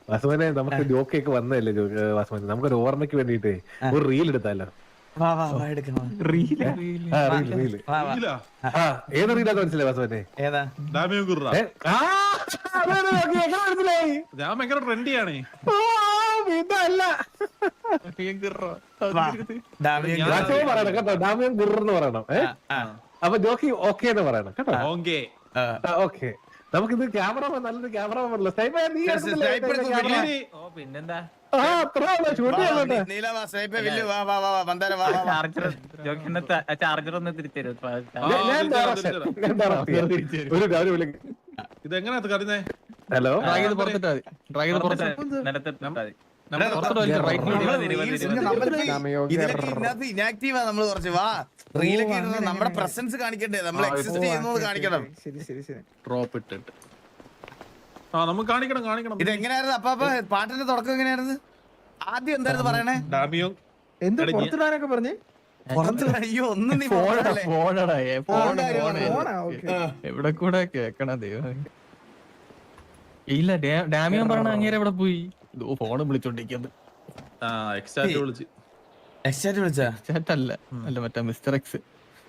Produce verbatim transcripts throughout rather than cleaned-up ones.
വാസുമനെ നമുക്ക് ജോക്കൊക്കെ വന്നതല്ലേ വാസുമനെ, നമുക്കൊരു ഓർമ്മയ്ക്ക് വേണ്ടിട്ട് ഒരു റീൽ എടുത്താലോ? ഏത് റീലാന്ന് മനസ്സിലായി വാസുമനെ? മനസ്സിലായി ഞാൻ ഭയങ്കര ട്രെൻഡിയാണ്. പറയണം കേട്ടോ, ഡാമിയൻ ഗുർന്ന് പറയണം. അപ്പൊ ജോക്കി ഓക്കെ എന്ന് പറയണം കേട്ടോ. ഓക്കെ, നമുക്കിത് ക്യാമറമാൻ, നല്ലൊരു ക്യാമറമാൻ പിന്നെന്താ ചാർജർ ഒന്ന് തിരിച്ചു ഇതെങ്ങനെയാ കറിഞ്ഞേ? ഹലോ, ഇനാക്റ്റീവാ നമ്മള് കുറച്ച്. വാ, റീലൊക്കെ നമ്മുടെ പ്രസൻസ് കാണിക്കണ്ടേ, നമ്മൾ എക്സിസ്റ്റ് ചെയ്യുന്നത് കാണിക്കണം. ഇത് എങ്ങനെയായിരുന്നു അപ്പൊ? പാട്ടിന്റെ തുടക്കം എങ്ങനെയായിരുന്നു? ആദ്യം എന്തായിരുന്നു പറയണേ? പറഞ്ഞേ അയ്യോ ഒന്നും നീ എവിടെ കൂടെ കേക്കണ ദൈവം. ഇല്ല, ഡാമിയൻ പറഞ്ഞ അങ്ങേരെ എവിടെ പോയി? ഫോണ് വിളിച്ചോണ്ടിരിക്കുന്നത്. അല്ല അല്ല മറ്റേ മിസ്റ്റർ എക്സ്.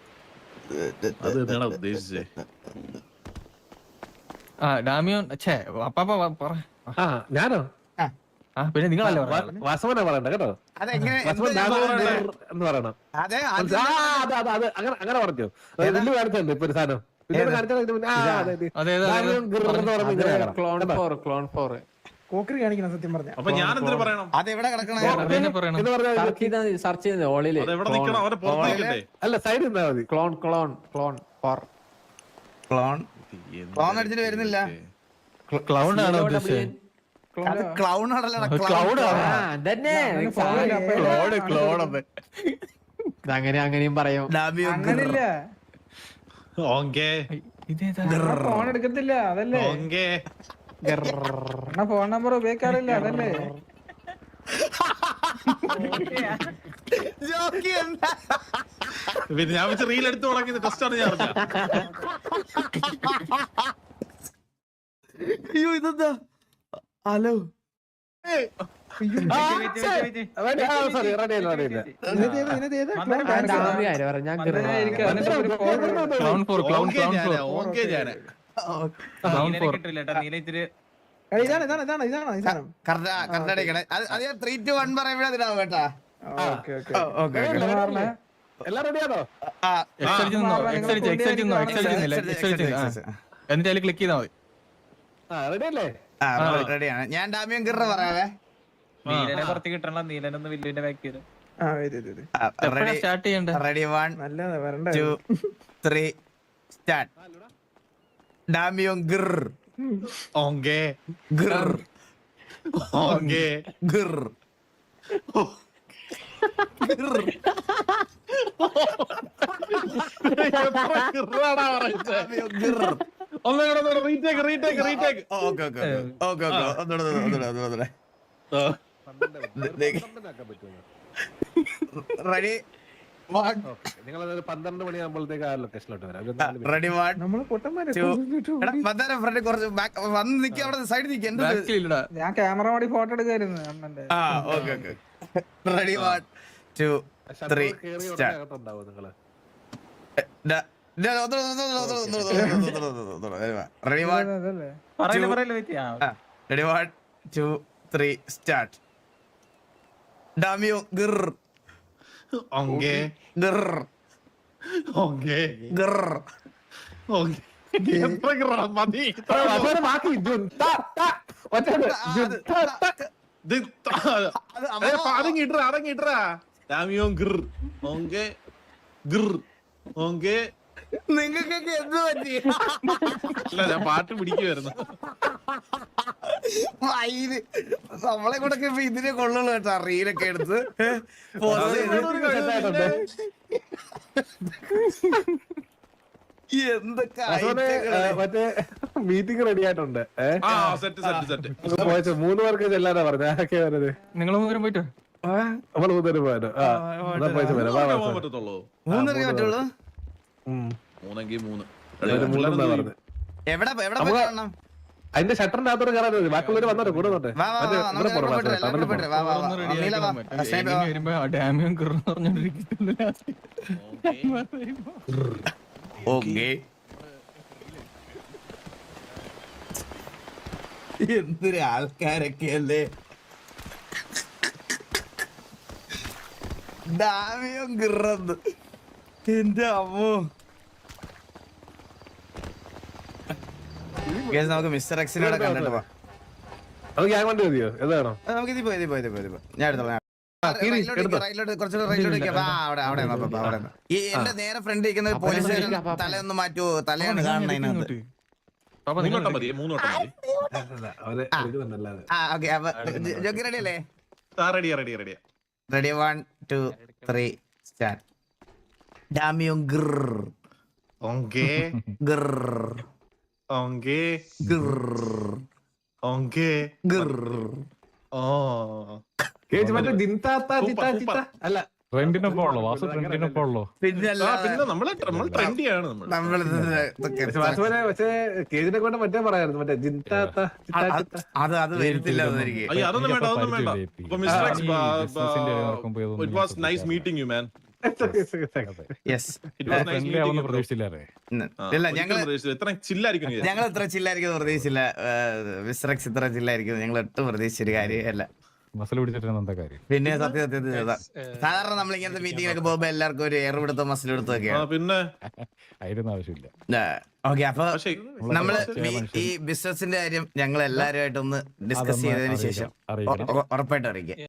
ആ ഡാമിയോൻ ഛേ അപ്പാപ്പ പറ. ഞാനോ? ആ പിന്നെ നിങ്ങളല്ലേ വാസവനെ പറയണ്ട കേട്ടോ, എന്ന് പറയണം. അങ്ങനെ പറഞ്ഞു വില്ലു കാണിച്ചുണ്ട് ഇപ്പൊ ഒരു സാധനം. കോക്കറി കാണിക്കണം സത്യം പറഞ്ഞ. അപ്പൊ ഞാൻ എന്തിനു പറയണം? അതെവിടെ കിടക്കണേ? സെർച്ച് ചെയ്ത് ഓളില് അല്ല സൈഡ് നിന്നാ മതി. Clone clone clone four clone clone അടിച്ചിട്ട് വരുന്നില്ല. ക്ലൗൺ ആണോ ഉദ്ദേശിച്ചത്? ക്ലൗൺ ആണല്ലോ. അങ്ങനെ അങ്ങനെയും പറയും. അങ്ങനില്ല, ഫോൺ എടുക്കത്തില്ല അതല്ലേ. ഫോൺ നമ്പർ ഉപയോഗിക്കാറില്ല അതല്ലേ. പിന്നെ ഞാൻ വെച്ച് റീൽ എടുത്ത് തുടങ്ങിയത് ടെസ്റ്റാണ് ഞാൻ. അയ്യോ ഇതെന്താ? ഹലോ ത്രീ ടു വൺ പറയുമ്പോഴാവും കേട്ടാ. എല്ലാം റെഡിയാണോ? എന്നിട്ട് അതിൽ ക്ലിക്ക് ചെയ്താൽ മതി. റെഡിയല്ലേ? റെഡിയാണ്. ഞാൻ ഡാമിയൻ ഗിർറ പറയാവേ. നീലനെ പുറത്ത് കിട്ടണം. നീലനൊന്ന് വില്ലുവിന്റെ ബാക്ക് ചെയ്ത് സ്റ്റാർട്ട് ചെയ്യണ്ട. Ready, one two three start. Damian ഗിർ ഓങ്കേ ഗിർ ഓങ്കേ ഗിർ retake retake retake. Okay okay okay okay ഒന്നുകൂടെ ഒന്നുകൂടെ ഒന്നുകൂടെ റെഡി. നിങ്ങൾ പന്ത്രണ്ട് മണിയാകുമ്പോഴത്തേക്ക് ആ ലൊക്കേഷനിലോട്ട് വരാം. റെഡി, വൺ നമ്മള് പൊട്ടന്മാരെ ഫ്രണ്ട് കുറച്ച് വന്ന് നിൽക്കുക, അവിടെ സൈഡിൽ നിൽക്കുക. ഞാൻ ക്യാമറ മാടി ഫോട്ടോ എടുക്കായിരുന്നു അണ്ണന്റെ. ആ okay okay ready, one two three start. ഉണ്ടാവും നിങ്ങള്. Ready, one ready, one two three start. ഡാമിയോ ഗിർ ഓങ്കേ ഗിർ ഓങ്കേ ഗിർ ഓങ്കേ. എത്ര ഗ്രാം മതി? ബാക്കി അടങ്ങിട്ടാ അടങ്ങിട്ടാ. ഡാമിയോ ഗിർ ഓങ്കേ ഗിർ ഓങ്കേ. നിങ്ങൾക്കൊക്കെ എന്ത് പറ്റി? അല്ല ഞാൻ പാട്ട് പിടിക്കുവായിരുന്നു. നമ്മളെ കൂടെ ഇപ്പൊ ഇതിനെ കൊള്ളുള്ളൂ കേട്ടോ, റീലൊക്കെ എടുത്ത് എന്തൊക്കെ മറ്റേ മീറ്റിംഗ് റെഡി ആയിട്ടുണ്ട്. പോയ മൂന്ന് പേർക്ക് ചെല്ലാനാ പറഞ്ഞ. ആരൊക്കെ വരുന്നത്? നിങ്ങൾ മൂന്നുപേരും പോയിട്ട് നമ്മള് മൂന്നുപേരും പോയാലോ? മൂന്നരക്കേ പറ്റുള്ളൂ. മൂന്നെങ്കിൽ മൂന്ന്. എവിടെ എവിടെ പോയി കാണണം? അതിന്റെ ഷട്ടറിന്റെ അകത്തോട്ട് കയറാൻ മതി. ബാക്കിയുള്ളവര് വന്നോട്ടെ കൂടെ വന്നോട്ടെ. വാ, വാ, മറ്റേ വാ, ഇവിടെ നമുക്ക് പോണം, അങ്ങോട്ട് ടണലിൽ അങ്ങോട്ട് പോണം. വാ, വാ, വാ. ഒന്ന് ready നീല വാ. ആക്കണം. മറ്റേ സ്നേഹിത gaming വാ. വരുമ്പോ ആ ഡാമിയും കിറന്ന് പറഞ്ഞോണ്ടിരിക്കുന്നു ലാസ്റ്റ്. ഓക്കേ. എന്തൊരു ആൾക്കാരൊക്കെ അല്ലേ. ഡാമിയും കിറന്ന് എന്റെ അമ്മോ. Guys, നമുക്ക് മിസ്റ്റർ എക്സിനോടെ കണ്ടിട്ട് പോവാം. അത് ഗ്യാങ് വണ്ടി മതിയോ? ഏതാണോ? ആ, നമുക്ക് ഇതിപ്പോ ഇതിപ്പോ ഇതിപ്പോ ഇതിപ്പോ ഞാൻ എടുത്തോളാം. ആ, കീറി, റൈറ്റിലോട്ട് എടുത്തോ. റൈറ്റിലോട്ട് കുറച്ചുകൂടെ റൈറ്റിലോട്ട് നിൽക്കാം. ആ, അവിടെ അവിടെ നിന്നോ, അവിടെ അവിടെ നിന്നോ. ഈ എന്റെ നേരെ ഫ്രണ്ട് ഇരിക്കുന്ന പോലീസുകാരൻ തലയൊന്ന് മാറ്റുമോ? തലയാണ് കാണുന്നത് അതിനകത്ത്. പാപ്പ നിങ്ങൾ മൂന്നോട്ടം മതി മൂന്നോട്ടം മതി. അല്ല, അവര് എടുക്കുന്നുണ്ടല്ലാതെ. ആ ഓക്കെ. അപ്പൊ ജോക്കി റെഡി അല്ലേ? ആ റെഡിയാ റെഡിയാ റെഡിയാ. Ready one two three start. ഡാമിയും ഗിർ ഓങ്കേ ഗിർ ഓങ്കേ ഗിർ ഓങ്കേ ഗിർ. ഓ കേജ് മറ്റേ ദിൻതാത്ത സൂപ്പർ, ചിത്ത ചിത്ത സൂപ്പർ. അല്ല ട്രെൻഡിനൊപ്പം ഉള്ളു വാസു ട്രെൻഡിനൊപ്പം ഉള്ളു. പിന്നെ ആ, പിന്നെ നമ്മള് നമ്മൾ ട്രെൻഡിയാണ് നമ്മൾ. നമ്മൾ ഇതൊക്കെ പക്ഷെ വാസുവിനെ പക്ഷേ കേജിനെ കൊണ്ട് മറ്റേ പറയായിരുന്നു മറ്റേ ജിൻതാത്ത ചിത്ത ചിത്ത. അത് അത് വരുത്തില്ല അതെനിക്ക്. അയ്യോ അതൊന്നും വേണ്ട അതൊന്നും വേണ്ട. അപ്പൊ മിസ്റ്റർ എക്സ്, ഈ businessന്റെ ഇടയിൽ നടക്കുമ്പോ ഇതൊന്നും it was nice meeting you man. Yes. It was nice friendly meeting ആവുന്ന you bro. പ്രതീക്ഷിച്ചില്ലേ? ഇല്ല ഞങ്ങള് ഇത്ര ചില്ലായിരിക്കും നീ. ഞങ്ങൾ ഇത്ര ചില്ലായിരിക്കും പ്രതീക്ഷിച്ചില്ല. മിസ്റ്റർ എക്സ് ഇത്ര ചില്ലായിരിക്കും ഞങ്ങൾ ഒട്ടും പ്രതീക്ഷിച്ചൊരു കാര്യമല്ല. മസിൽ പിടിച്ചിട്ട് എന്താ കാര്യം? പിന്നെ സത്യ സത്യത്തിൽ സാധാരണ നമ്മൾ ഇങ്ങനത്തെ മീറ്റിങ്ങിലൊക്കെ പോകുമ്പോ എല്ലാവർക്കും ഒരു എയർ പിടുത്തോ മസിൽ പിടുത്തോ ആ, ഒക്കെയാണ്. പിന്നെ അതിനൊന്നും ആവശ്യമില്ല. ഓക്കെ. അപ്പൊ പക്ഷേ നമ്മള് ഈ- ഈ ബിസിനസിന്റെ കാര്യം ഞങ്ങൾ എല്ലാവരുമായിട്ടൊന്ന് ഡിസ്കസ് അതൊന്ന് ചെയ്തതിന് ശേഷം അറിയിക്കണം. ഉറപ്പായിട്ടും അറിയിക്കാം.